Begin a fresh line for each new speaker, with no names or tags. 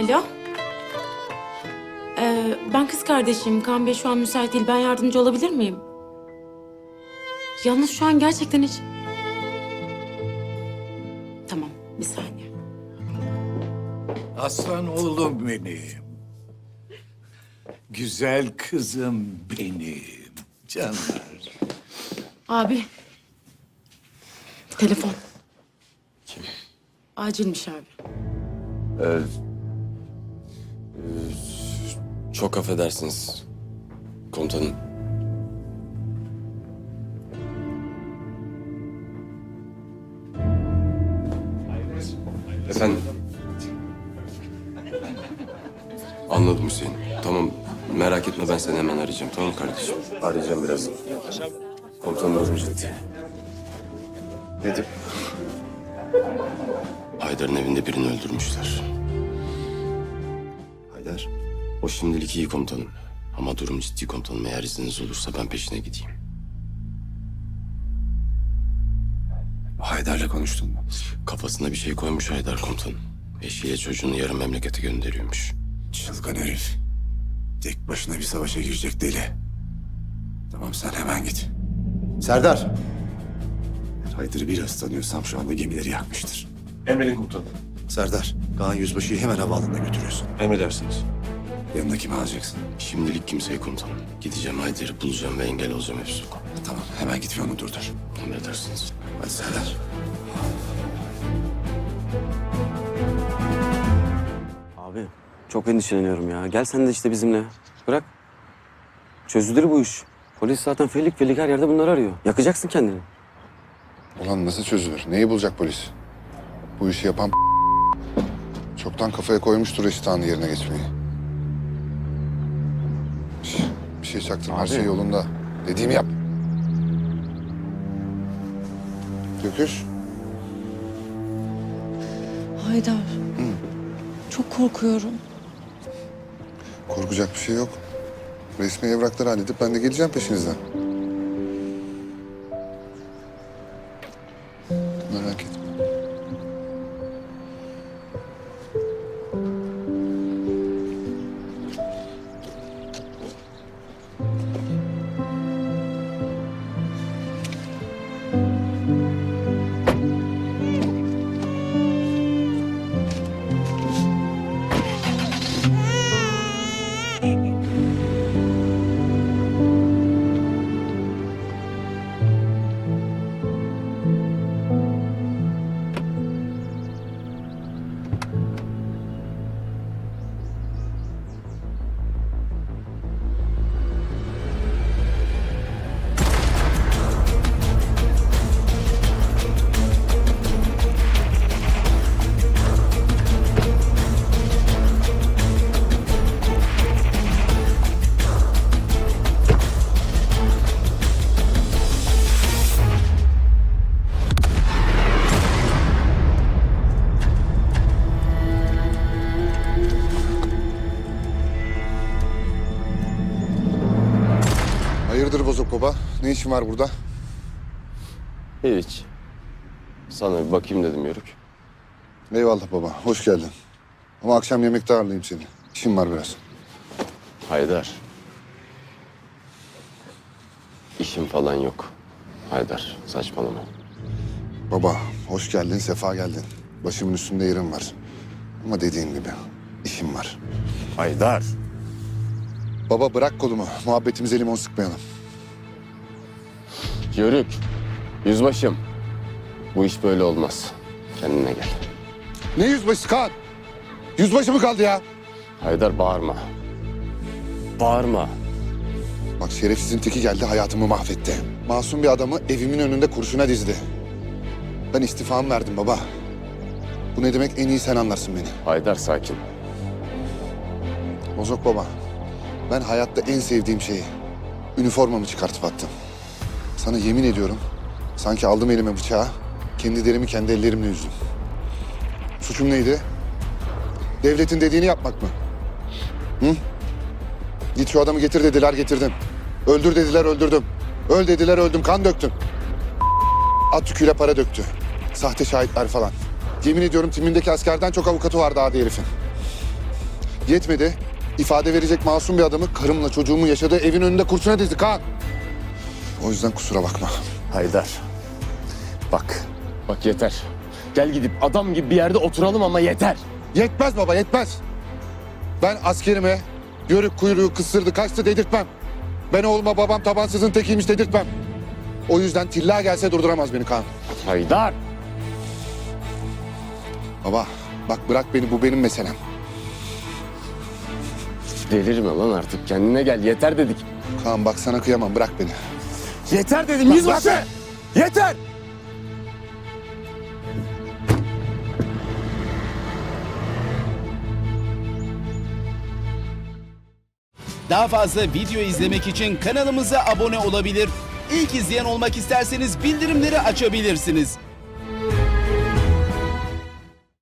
Alo. Ben kız kardeşim. Kaan Bey şu an müsait değil. Ben yardımcı olabilir miyim? Yalnız şu an gerçekten hiç... Tamam, bir saniye.
Aslan oğlum benim. Güzel kızım benim. Canlar.
Abi. Telefon.
Kim?
Acilmiş abi.
Çok affedersiniz komutanım. Efendim? Anladım Hüseyin. Tamam, merak etme, ben seni hemen arayacağım. Tamam kardeşim? Arayacağım birazdan. Komutanım durum ciddi.
Nedir?
Haydar'ın evinde birini öldürmüşler.
Haydar.
O şimdilik iyi komutanım. Ama durum ciddi komutanım. Eğer izniniz olursa ben peşine gideyim.
Haydar'la konuştun mu?
Kafasına bir şey koymuş Haydar komutanım. Eşiyle çocuğunu yarın memlekete gönderiyormuş.
Çılgın herif. Tek başına bir savaşa girecek deli. Tamam, sen hemen git. Serdar. Haydar'ı biraz tanıyorsam şu anda gemileri yakmıştır.
Emredin komutanım.
Serdar, Kaan Yüzbaşı'yı hemen havaalanına götürüyorsun.
Emredersiniz.
Yanına kimi alacaksın?
Şimdilik kimseyi komutanım. Gideceğim Haydar'ı bulacağım ve engel olacağım hepsi.
Tamam, hemen git ve onu durdur.
Emredersiniz.
Hadi Serdar.
Abi çok endişeleniyorum ya. Gel sen de işte bizimle. Bırak. Çözülür bu iş. Polis zaten felik felik her yerde bunları arıyor. Yakacaksın kendini.
Ulan nasıl çözülür? Neyi bulacak polis? Bu işi yapan çoktan kafaya koymuştur Reşithan'ı yerine geçmeyi. Şş, bir şey çaktırma, her
Abi.
şey yolunda. Dediğimi yap. Göküş.
Haydar. Çok korkuyorum.
Korkacak bir şey yok. Resmi evrakları halledip ben de geleceğim peşinizden. Merak etme. Hayırdır Bozok Baba? Ne işin var burada?
Hiç. Sana bir bakayım dedim Yörük.
Eyvallah baba, hoş geldin. Ama akşam yemekte ağırlayayım seni. İşim var biraz.
Haydar. İşim falan yok. Haydar, saçmalama.
Baba, hoş geldin, sefa geldin. Başımın üstünde yerim var. Ama dediğim gibi, işim var.
Haydar.
Baba bırak kolumu, muhabbetimize limon sıkmayalım.
Yörük, yüzbaşım. Bu iş böyle olmaz. Kendine gel.
Ne yüzbaşı Kaan? Yüzbaşı mı kaldı ya?
Haydar bağırma. Bağırma.
Bak şerefsizin teki geldi, hayatımı mahvetti. Masum bir adamı evimin önünde kurşuna dizdi. Ben istifamı verdim baba. Bu ne demek en iyi sen anlarsın beni.
Haydar sakin.
Bozok baba, ben hayatta en sevdiğim şeyi, üniformamı çıkartıp attım. Sana yemin ediyorum, sanki aldım elime bıçağı, kendi derimi kendi ellerimle yüzdüm. Suçum neydi? Devletin dediğini yapmak mı? Hı? Git şu adamı getir dediler, getirdim. Öldür dediler, öldürdüm. Öl dediler, öldüm, kan döktüm. At yüküyle para döktü. Sahte şahitler falan. Yemin ediyorum timindeki askerden çok avukatı vardı adi herifin. Yetmedi. İfade verecek masum bir adamı karımla çocuğumun yaşadığı evin önünde kurşuna dizdi Kaan. O yüzden kusura bakma.
Haydar. Bak. Bak yeter. Gel gidip adam gibi bir yerde oturalım ama yeter.
Yetmez baba, yetmez. Ben askerime yörük kuyruğu kısırdı kaçtı dedirtmem. Ben oğluma babam tabansızın tekiymiş dedirtmem. O yüzden tilla gelse durduramaz beni Kaan.
Haydar.
Baba bak bırak beni, bu benim meselem.
Delirme lan artık. Kendine gel. Yeter dedik.
Kaan bak sana kıyamam, bırak beni.
Yeter dedim yüzbaşı. Yeter.
Daha fazla video izlemek için kanalımıza abone olabilir. İlk izleyen olmak isterseniz bildirimleri açabilirsiniz.